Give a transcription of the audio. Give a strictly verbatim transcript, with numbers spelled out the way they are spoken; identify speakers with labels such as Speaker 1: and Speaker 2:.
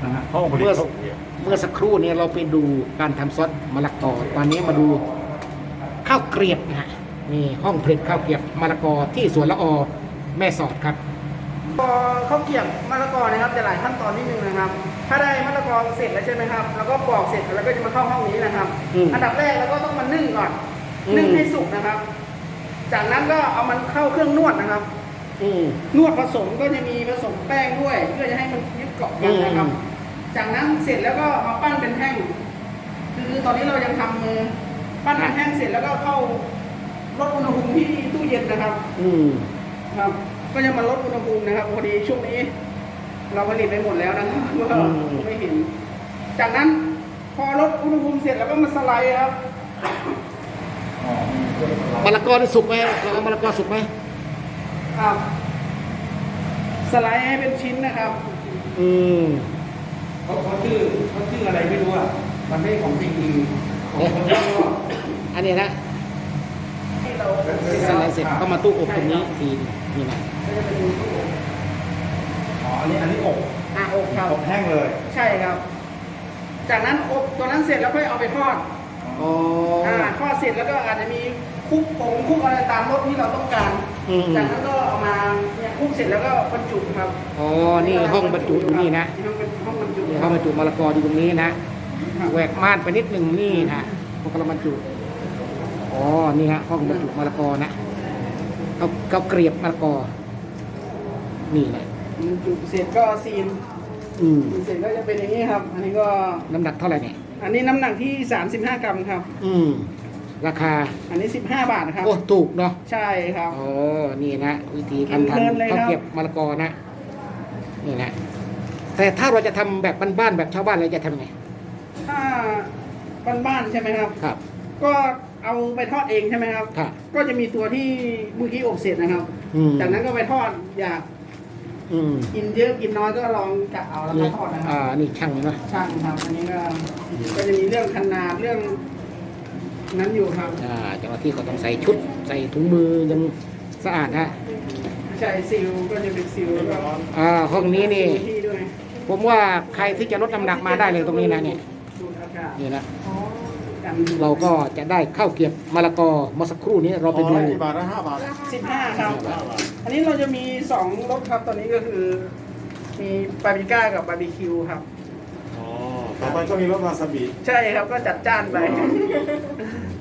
Speaker 1: นะฮะห้องผลิต
Speaker 2: เมื่อ
Speaker 1: ข้าวเกรียบ
Speaker 2: เมื่อสักครู่นี้เราไปดูการทำซอสมะละกอตอนนี้มาดูข้าวเกรียบนะฮะนี่ห้องผลิตข้าวเกรียบมะละกอที่สวนละอแม่สอดครับ
Speaker 3: พอข้าวเกรียบมะละกอนะครับจะหลายขั้นตอนนิดนึงนะครับ ถ้าได้มะละกอเสร็จแล้วใช่ไหมครับแล้วก็ปอกเสร็จแล้วก็จะมาเข้าห้องนี้นะครับ
Speaker 2: อืม
Speaker 3: อันดับแรกเราก็ต้องมานึ่งก่อน
Speaker 2: อืม
Speaker 3: นึ่งให้สุกนะครับ จากนั้นก็เอามันเข้าเครื่องนวดนะครับ
Speaker 2: อืม
Speaker 3: นวดผสมก็จะมีผสมแป้งด้วย เพื่อจะให้มันยึดเกาะกันนะครับ
Speaker 2: อืม
Speaker 3: จากนั้นเสร็จแล้วก็มาปั้นเป็นแท่งคือตอนนี้เรายังทำมือปั้นเป็นแท่งเสร็จแล้วก็เข้าลดอุณหภูมิที่ตู้เย็นนะครับ
Speaker 2: อืม
Speaker 3: ครับ ก็จะมาลดอุณหภูมินะครับพอดีช่วงนี้ เราผลิตไปหมดแล้วนะครับก็ไม่เห็น จากนั้นพอลดอุณหภูมิเสร็จแล้วก็มาสไลด์ครับ
Speaker 1: อ๋อมีเครื่องละลาย
Speaker 2: มะละกอนี่สุกไหมเราเอามะละกอสุกไหม
Speaker 3: ครับ สไลด์ให้เป็นชิ้นนะครับ
Speaker 2: อืม
Speaker 4: เขาเขาชื่อเขาชื่ออะไรไม่รู้อ่ะ มันไม่ของจริงจริงของคนที่ก็
Speaker 2: อันนี้นะ
Speaker 3: ที่เรา
Speaker 2: สไลด์เสร็จก็มาตู้อบตรงนี้ทีนี่นะ
Speaker 3: ก็จะเป็นตู้อบ
Speaker 1: อ๋ออันนี้อันนี้อบ
Speaker 3: อ่ะอบครับ
Speaker 1: อบแห้งเลย
Speaker 3: ใช่ครับ จากนั้นอบตัวนั้นเสร็จแล้วค่อยเอาไปทอด
Speaker 2: อ๋อ
Speaker 3: อ่าทอดเสร็จแล้วก็อาจจะมีคลุกผงคลุกอะไรตามรสที่เราต้องการ
Speaker 2: อืม
Speaker 3: จากนั้นก็เอามาเนี่ยคลุกเสร็จแล้วก็บรรจุครับ
Speaker 2: อ๋อนี่ห้องบรรจุอยู่นี่นะ
Speaker 3: ห้องเป็นห้องบรรจุ
Speaker 2: นี่ห้องบรรจุมะละกออยู่ตรงนี้นะแหวกม่านไปนิดหนึ่งนี่นะพวกเราบรรจุอ๋อนี่ฮะห้องบรรจุมะละกอนะเขาเขาเกลียบมะละกอนี่แหละ
Speaker 3: บรรจุเสร็จก็ซีน
Speaker 2: อืม
Speaker 3: ซีนเสร็จก็จะเป็นอย่างนี้ครับ อันนี้ก็
Speaker 2: น้ำหนักเท่าไหร่เนี่ย
Speaker 3: อันนี้น้ำหนักที่สามสิบห้ากรัมครับ
Speaker 2: อืมราคา
Speaker 3: อันนี้สิบห้าบาทนะครับ
Speaker 2: โอ้ถูกเนาะ
Speaker 3: ใช่ครับ
Speaker 2: อ๋อนี่นะวิธีการ
Speaker 3: เพลินเลย
Speaker 2: ทำ
Speaker 3: ครับ
Speaker 2: ข้าวเกรียบมะละกอนะนี่นะแต่ถ้าเราจะทำแบบบ้านๆแบบชาวบ้านเราจะทำไง
Speaker 3: ถ้าบ้านๆใช่ไหมครับ
Speaker 2: ครับ
Speaker 3: ก็เอาไปทอดเองใช่ไหมครับ
Speaker 2: ครับ
Speaker 3: ก็จะมีตัวที่เมื่อกี้อบเสร็จนะครับ
Speaker 2: อืม
Speaker 3: จากนั้นก็ไปทอดอยาก
Speaker 2: อืม
Speaker 3: กินเยอะกินน้อยก็ลองกะเอาแล้วก็
Speaker 2: นี่
Speaker 3: ทอดนะค
Speaker 2: อ่า
Speaker 3: รับ
Speaker 2: นี่ช่างนะ
Speaker 3: ช่างครับ อันนี้ก็ก็จะมีเรื่องขนาดเรื่องนั้นอยู่ครับ
Speaker 2: อ่าเจ้าหน้าที่ก็ต้องใส่ชุด ใส่ถุงมือยังสะอาดนะ
Speaker 3: ใช่ซิลก็จะเป็นซิลแล้วก็
Speaker 2: อ่าห้องนี้นี่
Speaker 3: ที่ด้วย
Speaker 2: ผมว่าใครที่จะลดน้ำหนักมาได้เลยตรงนี้นะเนี่ย
Speaker 3: ดูดอากาศ
Speaker 2: นี่นะ
Speaker 3: กัน
Speaker 2: เราก็จะได้ข้าวเกรียบมะละกอเมื่อสักครู่นี้เราไปดู
Speaker 1: อ๋อกี่บาทนะห้าบาท
Speaker 3: สิบห้าครับ อันนี้เราจะมีสองรสครับตอนนี้ก็คือ มีบาร์บีก้ากับบาร์บีคิวครับ
Speaker 1: อ๋อต่อไปก็มีรสวาซาบิ
Speaker 3: ใช่ครับก็จัดจ้านไป